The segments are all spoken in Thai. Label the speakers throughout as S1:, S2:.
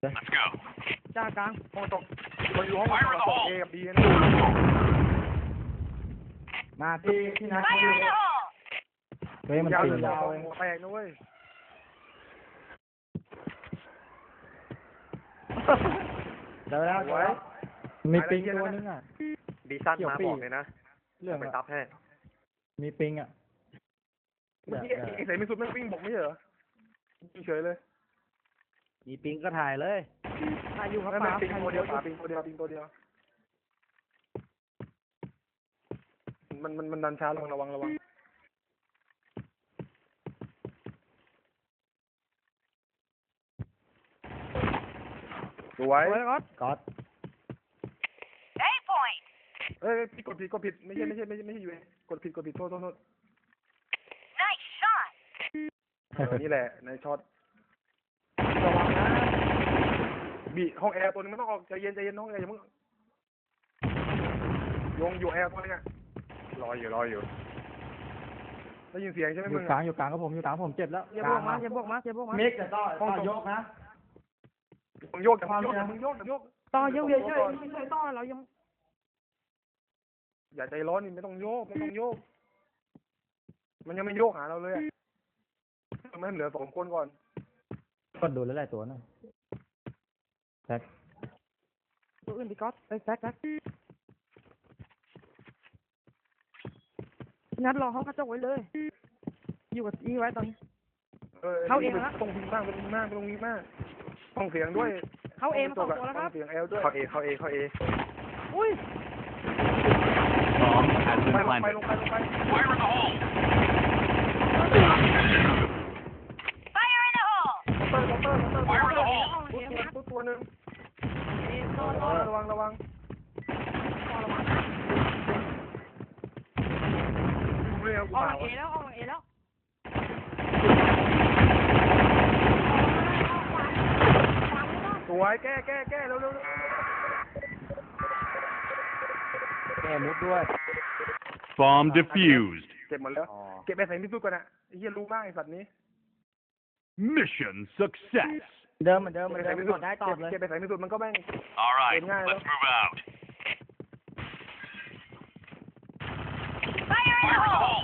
S1: Let's go.
S2: จ้ากลาง
S3: ห้องตกคนอยู่ห้องตกเอกับบีนะ
S4: มาที่นัด
S1: Fire in the hole!
S4: เฮ้ยมัน
S3: ยาว
S4: ตี
S3: ยาย
S4: าว ว
S3: หัวแตกนะเว้ย
S4: เดี๋ยวแล้วมีปิงตัวนึงอ่ะ
S5: บีสั้นมาบอกเลยนะ
S4: เรื่อง
S5: ไปซับให้
S4: มีปิงอ่ะ
S3: เมื่อกี้ไอ้ใส่ไม่สุดไม่วิ่งบอกไม่เหรอเฉยเลย
S4: มีปิงก็ถ่ายเลย
S2: ถ่ายอยู่ครับ
S3: ไม่
S2: ป๋า
S3: ปิง
S2: ถ่ายอ
S3: ตัว
S2: ยู่
S3: เดียวป่าปิงตัวเดียวปิงตัวเดียวมันดันช้าลงระวังสวย
S2: ไว้ก่อน
S4: ก๊อต
S1: A point!
S3: เอ้ยพี่กดผิดไม่ใช่อยู่เองกดผิดโทษ
S1: Nice shot!
S3: นี่แหละในช็อตระวังนะบีห้องแอร์ตัวนึงไม่ต้องออกใจเย็นห้องแอร์อย่าเพิ่งยงอยู่แอร์ตัวนึงอะรออยู่ได้ยินเสียงใช่ไหม
S4: อ
S3: มึ
S4: ยู่
S3: ง
S4: กลางอยู่กลางก็ผมอยู่กลางผมเจ็บแล้ว
S2: อย่าบวกมาอย่าบวกมาอย่าบวกมา
S4: มิกจะต่อยกนะ
S3: มึงโยกอย่ามึงโยก
S2: ต่อยังเฉยไม่เคยต่อเรายัง
S3: อย่าใจร้อนนี่ไม่ต้องโยกมันยังไม่โยกหาเราเลยอะไม่เหลือ2 คนก่อน
S4: ก็ดูแล้วหลายตัวนะแท็ก
S2: ตัวอื่นพี่ก๊อตไปแซกนัดรอห้องกระจกไว้เลย อยู่กับอีไว้ตอนนี้ เข้าเองละ
S3: ต้องพิงมากต้องเสียงด้วย
S2: เข้าเอมา2 ตัวแล้วครับ
S3: เสียงแอลด้วย
S5: เข้าเอ
S2: อุ้ย
S1: Bomb has
S3: ไป
S1: been
S3: ลงไป
S1: planted. Fire in the hole! Fire in the hole!
S3: มอเตอร์
S1: Fire in the hole!
S3: ตัวนึง
S2: เอต่อ
S3: ระวังเร็ว
S2: ออกหลังเอแล้วออกหลังเอแล้ว
S3: สวยแก้เร็ว
S4: แกมุดด้วย
S1: Bomb defused.
S3: เก็บหมดแล้วเก็บไปใส่มิสุก่อนนะไอ้เหี้ยรู้มากไอ้สัตว์นี้
S1: Mission success.
S4: เดิมเหมือนเดิมกดได้ตอบเลย
S3: เก็บไปใส่มิสุมันก็แม่ง
S1: All right,
S3: Good night,
S1: let's move out.
S3: Fire
S1: in the hole!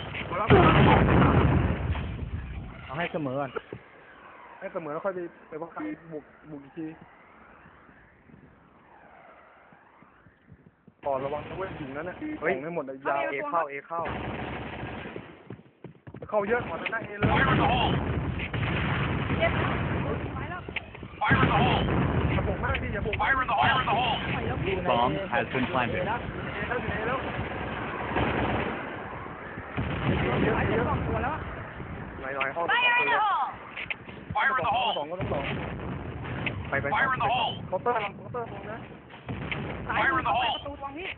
S4: เอาให้เสมอก่อน
S3: ให้เสมอแล้วค่อยไปว่าใครบุกอีกทีต่อระวังนะเว้ยหิงนั้นน่ะของไม่หมดเลยยาว
S5: เอเข้า
S3: เข้าเยอะกว่านั้นนะเอเลย
S1: Fire in the hole!
S2: เจ็บไปแล้ว
S1: Fire in the hole!
S3: อย่าบุกมากดิอย่าบุก
S1: Fire in the hole!
S2: ไปแล้วพี่
S1: Bomb has been planted.
S3: แล้ว
S2: ไปเจ็บ2 ตัวแล้ว
S5: หน่อยเข้า
S1: Fire in the hole! Fire in the
S3: ส
S1: hole!
S3: องก็ต้องสอง
S5: ไป
S1: Fire in the hole!
S3: เคาน์เตอร์ตรงนะ
S2: สายประตูตรงพี่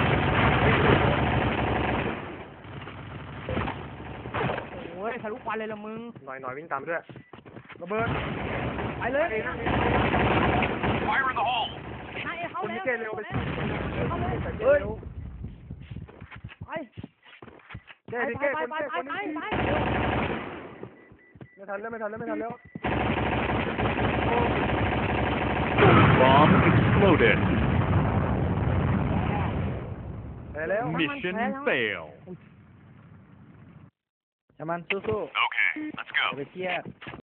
S2: โอ้ยทะลุควันเลยละมึง
S5: หน่อยวิ่งตามด้วย
S3: ระเบิด
S2: ไปเลย
S1: Fire in the hole!
S2: นายเข้า
S3: คน
S2: แล้
S3: นี้
S2: ว
S3: เกเร็วไป
S2: เข้าเลย
S3: เฮ้ย
S2: ไป
S3: แกดิแกคนแกคนนี้ไม่ทันแล้ว
S1: Bomb exploded.
S3: ไปแล้ว
S1: Mission fail.
S4: จะมันสู้
S1: Okay, let's go.
S4: ๆไปเครียด